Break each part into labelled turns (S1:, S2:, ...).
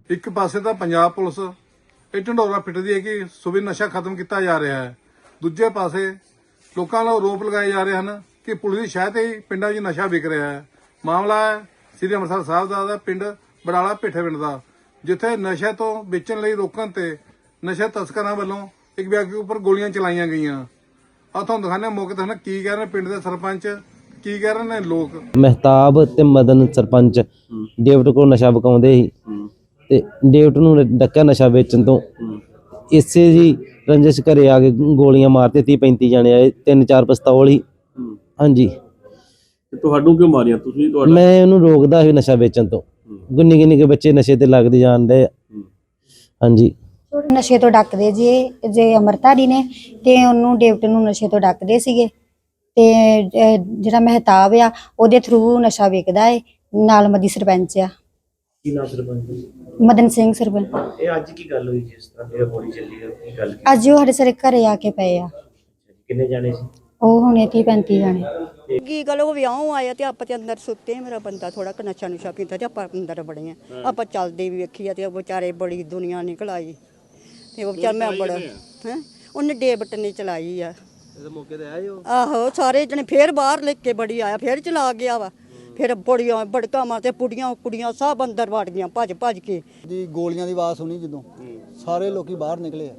S1: ਇੱਕ ਪਾਸੇ ਤਾਂ ਪੰਜਾਬ ਪੁਲਿਸ ਇਹ ਢੰਡੋਰਾ ਪਿੱਟਦੀ ਹੈ ਕਿ ਸੂਬੇ ਨਸ਼ਾ ਖਤਮ ਕੀਤਾ ਜਾ ਰਿਹਾ ਹੈ, ਦੂਜੇ ਪਾਸੇ ਲੋਕਾਂ ਵੱਲੋਂ ਆਰੋਪ ਲਗਾਏ ਜਾ ਰਹੇ ਹਨ ਕਿ ਪੁਲਿਸ ਦੀ ਸ਼ਾਇਦ ਹੀ ਪਿੰਡਾਂ 'ਚ ਨਸ਼ਾ ਵਿਕ ਰਿਹਾ ਹੈ। ਮਾਮਲਾ ਹੈ ਸ੍ਰੀ ਅੰਮ੍ਰਿਤਸਰ ਸਾਹਿਬ ਦਾ ਪਿੰਡ ਬੜਾਲਾ ਭਿੱਠੇ ਪਿੰਡ ਦਾ, ਜਿੱਥੇ ਨਸ਼ੇ ਤੋਂ ਵੇਚਣ ਲਈ ਰੋਕਣ ਤੇ ਨਸ਼ਾ ਤਸਕਰਾਂ ਵੱਲੋਂ ਇੱਕ ਵਿਅਕਤੀ ਉੱਪਰ ਗੋਲੀਆਂ ਚਲਾਈਆਂ ਗਈਆਂ। ਆ ਤੁਹਾਨੂੰ ਦਿਖਾਣੇ ਮੌਕੇ ਤੇ ਕੀ ਕਹਿ ਰਹੇ ਪਿੰਡ ਦੇ ਸਰਪੰਚ, ਕੀ ਕਹਿ ਰਹੇ ਨੇ ਲੋਕ।
S2: ਮਹਿਤਾਬ ਤੇ ਮਦਨ ਸਰਪੰਚ ਡੇਵਿਡ ਕੋਲ ਨਸ਼ਾ ਵਿਕਾਉਂਦੇ ਸੀ ਤੇ ਡੇਵਿਡ ਨੂੰ ਡੱਕਿਆ ਨਸ਼ਾ ਵੇਚਣ ਤੋਂ। ਇਸੇ ਜੀ ਰੰਜਿਸ਼ ਘਰੇ ਆ ਕੇ ਗੋਲੀਆਂ ਮਾਰਤੇ 30-35 ਜਾਣੇ ਆਏ, 3-4 ਪਿਸਤੌਲ ਹੀ। ਹਾਂਜੀ
S3: ਤੁਹਾਨੂੰ ਕਿਉਂ ਮਾਰੀਆਂ ਤੁਸੀਂ?
S2: ਮੈਂ ਉਹਨੂੰ ਰੋਕਦਾ ਸੀ ਨਸ਼ਾ ਵੇਚਣ ਤੋਂ। ਗੁੰਨੀ ਗੁੰਨੀ ਕੇ ਬੱਚੇ ਨਸ਼ੇ ਤੇ ਲੱਗਦੇ ਜਾਂਦੇ। ਹਾਂਜੀ
S4: ਨਸ਼ੇ ਤੋਂ ਡੱਕਦੇ ਜੇ ਅਮਰਤਾਰੀ ਨੇ ਤੇ ਉਹਨੂੰ ਡੇਵਿਡ ਨੂੰ ਨਸ਼ੇ ਤੋਂ ਡੱਕਦੇ ਸੀਗੇ ਤੇ ਜਿਹੜਾ ਮਹਿਤਾਬ ਆ ਉਹਦੇ ਥਰੂ ਨਸ਼ਾ ਵਿਕਦਾ ਏ। ਨਾਲ ਮਦੀ ਸਰਪੰਚ ਆ।
S3: ਕੀ ਨਾਮ ਸਰਪੰਚ?
S4: ਮਦਨ ਸਿੰਘ ਸਰਪੰਚ।
S3: ਇਹ ਅੱਜ ਕੀ ਗੱਲ ਹੋਈ ਜਿਸ ਤਰ੍ਹਾਂ ਇਹ ਗੋਲੀ ਚੱਲੀ ਹੈ? ਕੀ ਗੱਲ?
S4: ਅੱਜ ਉਹ ਸਾਡੇ ਸਾਰੇ ਘਰੇ ਆ ਕੇ ਪਏ ਆ।
S3: ਕਿੰਨੇ ਜਾਣੇ ਸੀ?
S4: ਉਹ ਹੁਣੇ 30-35 ਜਾਣੇ।
S5: ਕੀ ਗੱਲ ਉਹ ਵਿਆਹ ਆਇਆ ਤੇ ਆਪਾਂ ਤੇ ਅੰਦਰ ਸੁੱਤੇ। ਮੇਰਾ ਬੰਦਾ ਥੋੜਾ ਕ ਨਸ਼ਾ ਨੁਸ਼ਾ ਪੀਂਦਾ ਤੇ ਆਪਾਂ ਅੰਦਰ ਬੜੇ ਆ। ਆਪਾਂ ਚੱਲਦੇ ਵੀ ਵੇਖੀ ਆ ਤੇ ਉਹ ਵਿਚਾਰੇ ਬੜੀ ਦੁਨੀਆ ਨਿਕਲ ਆਈ ਤੇ ਉਹ ਵਿਚਾਰ ਮੈਂ ਬੜਾ ਹੈ ਉਹਨੇ ਡੇਵਿਡ ਨੇ ਚਲਾਈ ਆ।
S2: ਮੌਕੇ ਤੇ ਆਏ ਹੋ?
S5: ਆਹੋ ਸਾਰੇ ਜਣੇ ਫੇਰ ਬਾਹਰ ਲੈ ਕੇ ਬੜੀ ਆਇਆ, ਫੇਰ ਚਲਾ ਗਿਆ ਵਾ। ਫਿਰ ਬੜੀਆਂ ਬੜਕਾ ਮਾਰਤੇ ਕੁੜੀਆਂ ਸਭ ਅੰਦਰ ਵੜ ਗਈਆਂ ਭੱਜ ਕੇ।
S6: ਦੀ ਗੋਲੀਆਂ ਦੀ ਆਵਾਜ਼ ਸੁਣੀ ਜਦੋਂ ਸਾਰੇ ਲੋਕੀ ਬਾਹਰ ਨਿਕਲੇ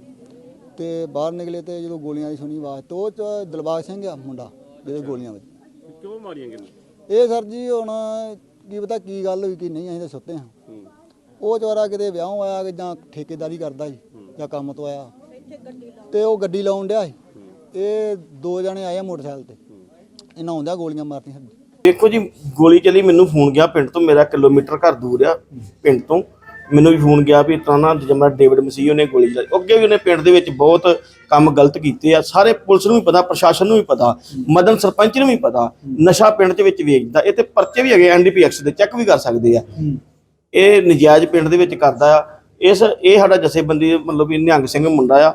S6: ਤੇ ਬਾਹਰ ਨਿਕਲੇ ਤੇ ਜਦੋਂ ਗੋਲੀਆਂ ਦੀ ਸੁਣੀ ਆਵਾਜ਼ ਤੇ ਉਹ ਚ ਦਿਲਬਾਗ ਸਿੰਘ ਆ ਮੁੰਡਾ ਜਿਹਦੇ ਗੋਲੀਆਂ ਵਿੱਚ।
S3: ਕਿਉਂ ਮਾਰੀਆਂ ਕਿੰਨੇ?
S6: ਇਹ ਸਰ ਜੀ ਹੁਣ ਕੀ ਪਤਾ ਕੀ ਗੱਲ ਹੋਈ ਕਿ ਨਹੀਂ, ਅਸੀਂ ਤਾਂ ਸੁੱਤੇ ਹਾਂ। ਉਹ ਚਵਾਰਾ ਕਿਤੇ ਵਿਆਹ ਆਇਆ ਕਿ ਜਾਂ ਠੇਕੇਦਾਰੀ ਕਰਦਾ ਸੀ ਜਾਂ ਕੰਮ ਤੋਂ ਆਇਆ ਤੇ ਉਹ ਗੱਡੀ ਲਾਉਣ ਡਿਆ ਸੀ। ਇਹ 2 ਜਣੇ ਆਏ ਆ ਮੋਟਰਸਾਈਕਲ ਤੇ, ਇਹਨਾਂ ਆਉਂਦਿਆਂ ਗੋਲੀਆਂ ਮਾਰਤੀਆਂ।
S3: ਦੇਖੋ ਜੀ ਗੋਲੀ ਚੱਲੀ, ਮੈਨੂੰ ਫੋਨ ਗਿਆ ਪਿੰਡ ਤੋਂ, ਮੇਰਾ ਕਿਲੋਮੀਟਰ ਘਰ ਦੂਰ ਆ ਪਿੰਡ ਤੋਂ। ਮੈਨੂੰ ਵੀ ਫੋਨ ਗਿਆ ਵੀ ਤਾਂ ਨਾ ਜਮਾ ਡੇਵਿਡ ਮਸੀਹ ਉਹਨੇ ਗੋਲੀ ਚਲਾਈ। ਅੱਗੇ ਵੀ ਉਹਨੇ ਪਿੰਡ ਦੇ ਵਿੱਚ ਬਹੁਤ ਕੰਮ ਗਲਤ ਕੀਤੇ ਆ। ਸਾਰੇ ਪੁਲਿਸ ਨੂੰ ਵੀ ਪਤਾ, ਪ੍ਰਸ਼ਾਸਨ ਨੂੰ ਵੀ ਪਤਾ, ਮਦਨ ਸਰਪੰਚ ਨੂੰ ਵੀ ਪਤਾ। ਨਸ਼ਾ ਪਿੰਡ ਦੇ ਵਿੱਚ ਵੇਚਦਾ। ਇਹ ਤੇ ਪਰਚੇ ਵੀ ਹੈਗੇ NDPX ਦੇ, ਚੈੱਕ ਵੀ ਕਰ ਸਕਦੇ ਆ। ਇਹ ਨਜਾਇਜ਼ ਪਿੰਡ ਦੇ ਵਿੱਚ ਕਰਦਾ ਆ। ਇਹ ਸਾਡਾ ਜਥੇਬੰਦੀ ਮਤਲਬ ਵੀ ਨਿਹੰਗ ਸਿੰਘ ਮੁੰਡਾ ਆ।